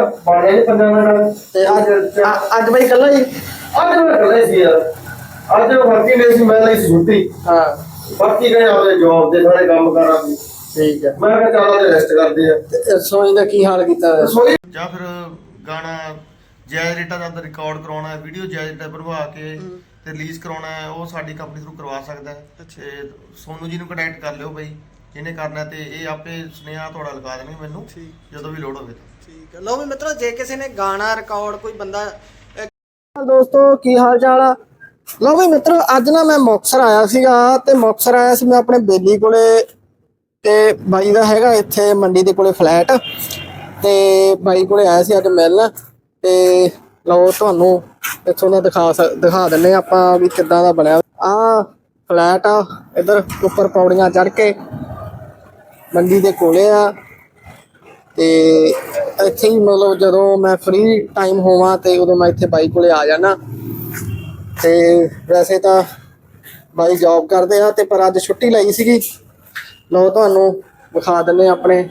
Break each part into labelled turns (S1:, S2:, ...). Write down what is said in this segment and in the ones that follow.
S1: ਬਾਣੇ ਦੇ 15 ਮਿੰਟ
S2: ਤੇ ਅੱਜ ਬਾਈ ਕੱਲਾ ਹੀ?
S1: ਅੱਜ ਮੈਂ ਇਕੱਲਾ ਸੀ ਯਾਰ। ਅੱਜ ਬਾਕੀ ਨੇ ਸੀ, ਮੈਂ ਲਈ ਸੀ ਛੁੱਟੀ।
S2: ਹਾਂ,
S1: ਬਾਕੀ ਗਏ ਆਪਦੇ ਜੌਬ ਦੇ ਸਾਰੇ ਕੰਮ ਕਰਾਂਗੇ।
S2: ਠੀਕ ਹੈ।
S1: ਮੈਂ ਕਿਹਾ ਚੱਲ ਤੇ ਰੈਸਟ ਕਰਦੇ ਆ।
S2: ਤੇ ਰਸੋਈ ਦਾ ਕੀ ਹਾਲ ਕੀਤਾ ਹੋਇਆ?
S1: ਰਸੋਈ ਜਾਂ ਫਿਰ ਗਾਣਾ ਜਾਇਜ਼ ਰੇਟਾਂ ਦਾ ਰਿਕਾਰਡ ਕਰਾਉਣਾ ਹੈ, ਵੀਡੀਓ ਜਾਇਜ਼ ਰੇਟਾਂ ਬਣਵਾ ਕੇ ਤੇ ਰਿਲੀਜ਼ ਕਰਾਉਣਾ ਹੈ, ਉਹ ਸਾਡੀ ਕੰਪਨੀ ਥਰੂ ਕਰਵਾ ਸਕਦਾ ਹੈ। ਤੇ ਸੋਨੂ ਜੀ ਨੂੰ ਕੰਟੈਕਟ ਕਰ ਲਿਓ ਬਈ ਜਿਹਨੇ ਕਰਨਾ, ਤੇ ਇਹ ਆਪੇ ਸੁਨੇਹਾ ਤੁਹਾਡਾ ਲਗਾ ਦੇਣਗੇ ਮੈਨੂੰ ਜਦੋਂ ਵੀ ਲੋੜ ਹੋਵੇ।
S2: ਠੀਕ ਹੈ। ਲਓ ਵੀ ਮਿੱਤਰੋ, ਜੇ ਕਿਸੇ ਨੇ ਗਾਣਾ ਰਿਕਾਰਡ ਕੋਈ ਬੰਦਾ ਦੋਸਤੋ ਕੀ ਹਾਲ ਚਾਲ ਆ? ਲਓ ਵੀ ਮਿੱਤਰੋ, ਅੱਜ ਨਾ ਮੈਂ ਮੁਕਤਸਰ ਆਇਆ ਸੀਗਾ ਤੇ ਮੁਕਤਸਰ ਆਇਆ ਸੀ ਮੈਂ ਆਪਣੇ ਬੇਲੀ ਕੋਲੇ, ਤੇ ਬਾਈ ਦਾ ਹੈਗਾ ਇੱਥੇ ਮੰਡੀ ਦੇ ਕੋਲੇ ਫਲੈਟ, ਤੇ ਬਾਈ ਕੋਲੇ ਆਇਆ ਸੀ ਅੱਜ ਮਿਲਣ। ਤੇ ਲਓ ਤੁਹਾਨੂੰ ਇੱਥੋਂ ਦਾ ਦਿਖਾ ਦਿੰਨੇ ਆਪਾਂ ਵੀ ਕਿੱਦਾਂ ਦਾ ਬਣਿਆ ਆ ਫਲੈਟ ਆ। ਇੱਧਰ ਉੱਪਰ ਪੌੜੀਆਂ ਚੜ੍ਹ ਕੇ ਮੰਡੀ ਦੇ ਕੋਲੇ ਆ, ਤੇ ਇੱਥੇ ਹੀ ਮਤਲਬ ਜਦੋਂ ਮੈਂ ਫ੍ਰੀ ਟਾਈਮ ਹੋਵਾਂ ਤੇ ਉਦੋਂ ਮੈਂ ਇੱਥੇ ਬਾਈ ਕੋਲੇ ਆ ਜਾਣਾ। ਤੇ ਵੈਸੇ ਤਾਂ ਬਾਈ ਜੌਬ ਕਰਦੇ ਆ ਤੇ ਪਰ ਅੱਜ ਛੁੱਟੀ ਲਈ ਸੀਗੀ। ਲਓ ਤੁਹਾਨੂੰ ਵਿਖਾ ਦਿੰਦੇ ਆਪਣੇ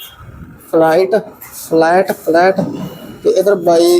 S2: ਫਲੈਟ ਤੇ ਇਧਰ ਬਾਈ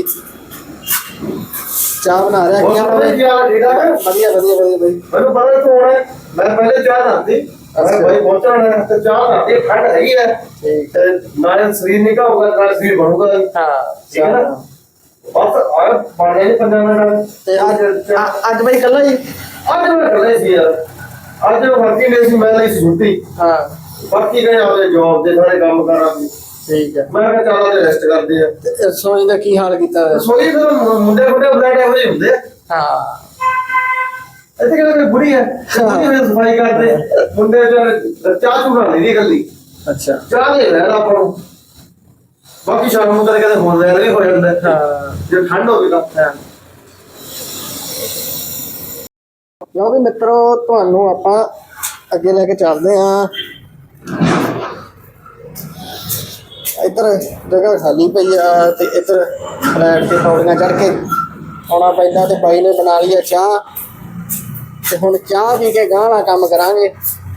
S2: ਚਾਹ ਬਣਾ ਰਿਹਾ। ਕੀ ਹਾਲ ਹੈ? ਵਧੀਆ ਬਾਈ।
S1: ਮੈਨੂੰ ਪਤਾ ਤੂੰ ਆਉਣਾ, ਮੈਂ ਪਹਿਲੇ ਚਾਹ ਬਣਾਤੀ। ਭਾਈ ਪਹੁੰਚਣਾ ਤੇ ਚਾਹ ਬਣਾਤੀ, ਠੰਡ ਹੈਗੀ ਹੈ।
S2: ਠੀਕ
S1: ਤੇ ਨਾਲ ਸਰੀਰ ਨਿਕਾ ਹੋਊਗਾ, ਨਾਲ ਸਰੀਰ ਬਣੂਗਾ।
S2: ਹਾਂ,
S1: ਠੀਕ ਹੈ ਨਾ। ਬਸ ਆ ਬਾਣੇ ਦੇ 15 ਮਿੰਟ।
S2: ਤੇ ਅੱਜ ਬਾਈ ਕੱਲਾ ਹੀ?
S1: ਅੱਜ ਮੈਂ ਇਕੱਲਾ ਸੀ ਯਾਰ। ਅੱਜ ਬਾਕੀ ਨੇ ਸੀ, ਮੈਂ ਲਈ ਸੀ ਛੁੱਟੀ।
S2: ਹਾਂ,
S1: ਬਾਕੀ ਗਏ ਆਪਦੇ ਜੌਬ ਦੇ ਸਾਰੇ ਕੰਮ ਕਰਾਂਗੇ।
S2: ਠੀਕ ਹੈ।
S1: ਮੈਂ ਕਿਹਾ ਚੱਲ ਤੇ ਰੈਸਟ ਕਰਦੇ ਆ।
S2: ਤੇ ਰਸੋਈ ਦਾ ਕੀ ਹਾਲ ਕੀਤਾ ਹੋਇਆ?
S1: ਰਸੋਈ ਫਿਰ ਮੁੰਡੇ ਫਲੈਟ ਇਹੋ ਜਿਹੇ ਹੁੰਦੇ ਆ।
S2: ਹਾਂ,
S1: ਇੱਥੇ ਕਿਹੜਾ ਕੋਈ ਬੁੜੀ ਹੈ ਸਫਾਈ ਕਰਦੇ ਮੁੰਡੇ ਚਾਹ ਚੂਹ ਬਣਾ ਲਈ ਗੱਲੀ।
S2: ਅੱਛਾ,
S1: ਚਾਹ ਦੇ ਲੈਣਾ ਆਪਾਂ ਨੂੰ। ਬਾਕੀ ਸ਼ਾਮ ਨੂੰ ਕਦੇ ਫੋਨ ਵਗੈਰਾ ਵੀ ਹੋ ਜਾਂਦਾ।
S2: ਹਾਂ,
S1: ਜੇ ਠੰਡ ਹੋਵੇ ਤਾਂ
S2: ਲਓ ਵੀ ਮਿੱਤਰੋ, ਤੁਹਾਨੂੰ ਆਪਾਂ ਅੱਗੇ ਲੈ ਕੇ ਚੱਲਦੇ ਹਾਂ। ਇੱਧਰ ਜਗ੍ਹਾ ਖਾਲੀ ਪਈ ਆ ਤੇ ਇੱਧਰ ਫਲੈਟ ਤੇ ਪੌੜੀਆਂ ਚੜ੍ਹ ਕੇ ਆਉਣਾ ਪੈਂਦਾ। ਤੇ ਬਾਈ ਨੇ ਬਣਾ ਲਈ ਆ ਚਾਹ, ਤੇ ਹੁਣ ਚਾਹ ਪੀ ਕੇ ਗਾਂਹ ਵਾਲਾ ਕੰਮ ਕਰਾਂਗੇ।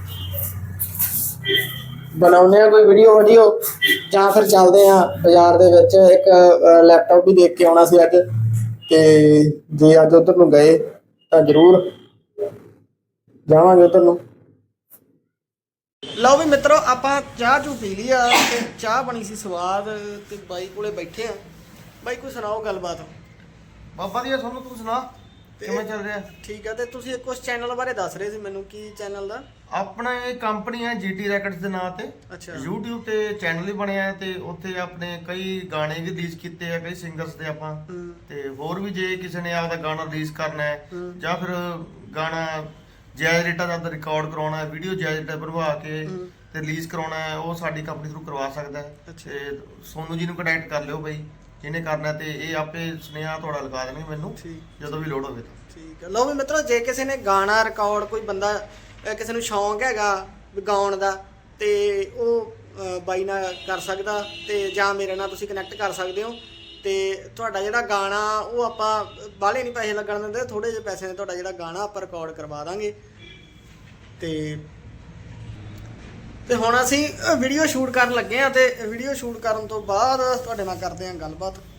S2: ਬਣਾਉਂਦੇ ਆ ਕੋਈ ਵੀਡੀਓ ਜਾਂ ਫਿਰ ਚੱਲਦੇ ਆ ਬਾਜ਼ਾਰ ਦੇ ਵਿੱਚ। ਇੱਕ ਲੈਪਟਾਪ ਵੀ ਦੇਖ ਕੇ ਆਉਣਾ ਸੀ ਅੱਜ, ਤੇ ਜੇ ਅੱਜ ਉੱਧਰ ਨੂੰ ਗਏ ਤਾਂ ਜ਼ਰੂਰ ਜਾਵਾਂਗੇ ਉੱਧਰ ਨੂੰ। ਲਓ ਵੀ ਮਿੱਤਰੋ, ਆਪਾਂ ਚਾਹ ਚੂ ਪੀ ਲਈ ਆ ਤੇ ਚਾਹ ਬਣੀ ਸੀ ਸਵਾਦ, ਤੇ ਬਾਈ ਕੋਲੇ ਬੈਠੇ ਆ। ਬਾਈ ਕੋਈ ਸੁਣਾਓ ਗੱਲਬਾਤ?
S1: ਬਾਬਾ ਜੀ ਤੁਹਾਨੂੰ ਤੂੰ ਸੁਣਾ ਕਿਵੇਂ ਚੱਲ ਰਿਹਾ?
S2: ਠੀਕ ਆ। ਤੇ ਤੁਸੀਂ ਕੁਝ ਚੈਨਲ ਬਾਰੇ ਦੱਸ ਰਹੇ ਸੀ ਮੈਨੂੰ, ਕੀ ਚੈਨਲ ਦਾ?
S1: ਆਪਣਾ ਇਹ ਕੰਪਨੀ ਹੈ GT ਰੈਕਟਸ ਦੇ ਨਾਂ ਤੇ।
S2: ਅੱਛਾ।
S1: YouTube ਤੇ ਚੈਨਲ ਵੀ ਬਣਿਆ ਹੈ, ਤੇ ਉੱਥੇ ਆਪਣੇ ਕਈ ਗਾਣੇ ਵੀ ਰਿਲੀਜ਼ ਕੀਤੇ ਆ, ਕਈ ਸਿੰਗਰਸ ਦੇ ਆਪਾਂ। ਤੇ ਹੋਰ ਵੀ ਜੇ ਕਿਸੇ ਨੇ ਆਪਦਾ ਗਾਣਾ ਰਿਲੀਜ਼ ਕਰਨਾ ਹੈ ਜਾਂ ਫਿਰ ਗਾਣਾ ਜਾਇਜ਼ ਰੇਟਾਂ ਦਾ ਰਿਕਾਰਡ ਕਰਾਉਣਾ ਹੈ, ਵੀਡੀਓ ਜਾਇਜ਼ ਰੇਟਾਂ ਬਣਵਾ ਕੇ ਤੇ ਰਿਲੀਜ਼ ਕਰਾਉਣਾ ਹੈ, ਉਹ ਸਾਡੀ ਕੰਪਨੀ ਥਰੂ ਕਰਵਾ ਸਕਦਾ ਹੈ। ਤੇ ਸੋਨੂ ਜੀ ਨੂੰ ਕੰਟੈਕਟ ਕਰ ਲਿਓ ਬਈ ਜਿਹਨੇ ਕਰਨਾ, ਤੇ ਇਹ ਆਪੇ ਸੁਨੇਹਾ ਤੁਹਾਡਾ ਲਗਾ ਦੇਣਗੇ ਮੈਨੂੰ ਜਦੋਂ ਵੀ ਲੋੜ ਹੋਵੇ।
S2: ਠੀਕ ਹੈ। ਲਓ ਵੀ ਮਿੱਤਰੋ, ਜੇ ਕਿਸੇ ਨੇ ਗਾਣਾ ਰਿਕਾਰਡ ਕੋਈ ਬੰਦਾ ਕਿਸੇ ਨੂੰ ਸ਼ੌਂਕ ਹੈਗਾ ਗਾਉਣ ਦਾ, ਤੇ ਉਹ ਬਾਈ ਨਾਲ ਕਰ ਸਕਦਾ, ਤੇ ਜਾਂ ਮੇਰੇ ਨਾਲ ਤੁਸੀਂ ਕਨੈਕਟ ਕਰ ਸਕਦੇ ਹੋ। ਤੇ ਤੁਹਾਡਾ ਜਿਹੜਾ ਗਾਣਾ ਉਹ ਆਪਾਂ ਬਾਹਲੇ ਨਹੀਂ ਪੈਸੇ ਲੱਗਣ ਦਿੰਦੇ, ਥੋੜੇ ਜਿਹੇ ਪੈਸੇ ਨੇ ਤੁਹਾਡਾ ਜਿਹੜਾ ਗਾਣਾ ਆਪਾਂ ਰਿਕਾਰਡ ਕਰਵਾ ਦਾਂਗੇ। ਤੇ ਹੁਣ ਅਸੀਂ ਵੀਡੀਓ ਸ਼ੂਟ ਕਰਨ ਲੱਗੇ ਆ, ਤੇ ਵੀਡੀਓ ਸ਼ੂਟ ਕਰਨ ਤੋਂ ਬਾਅਦ ਤੁਹਾਡੇ ਨਾਲ ਕਰਦੇ ਹਾਂ ਗੱਲਬਾਤ।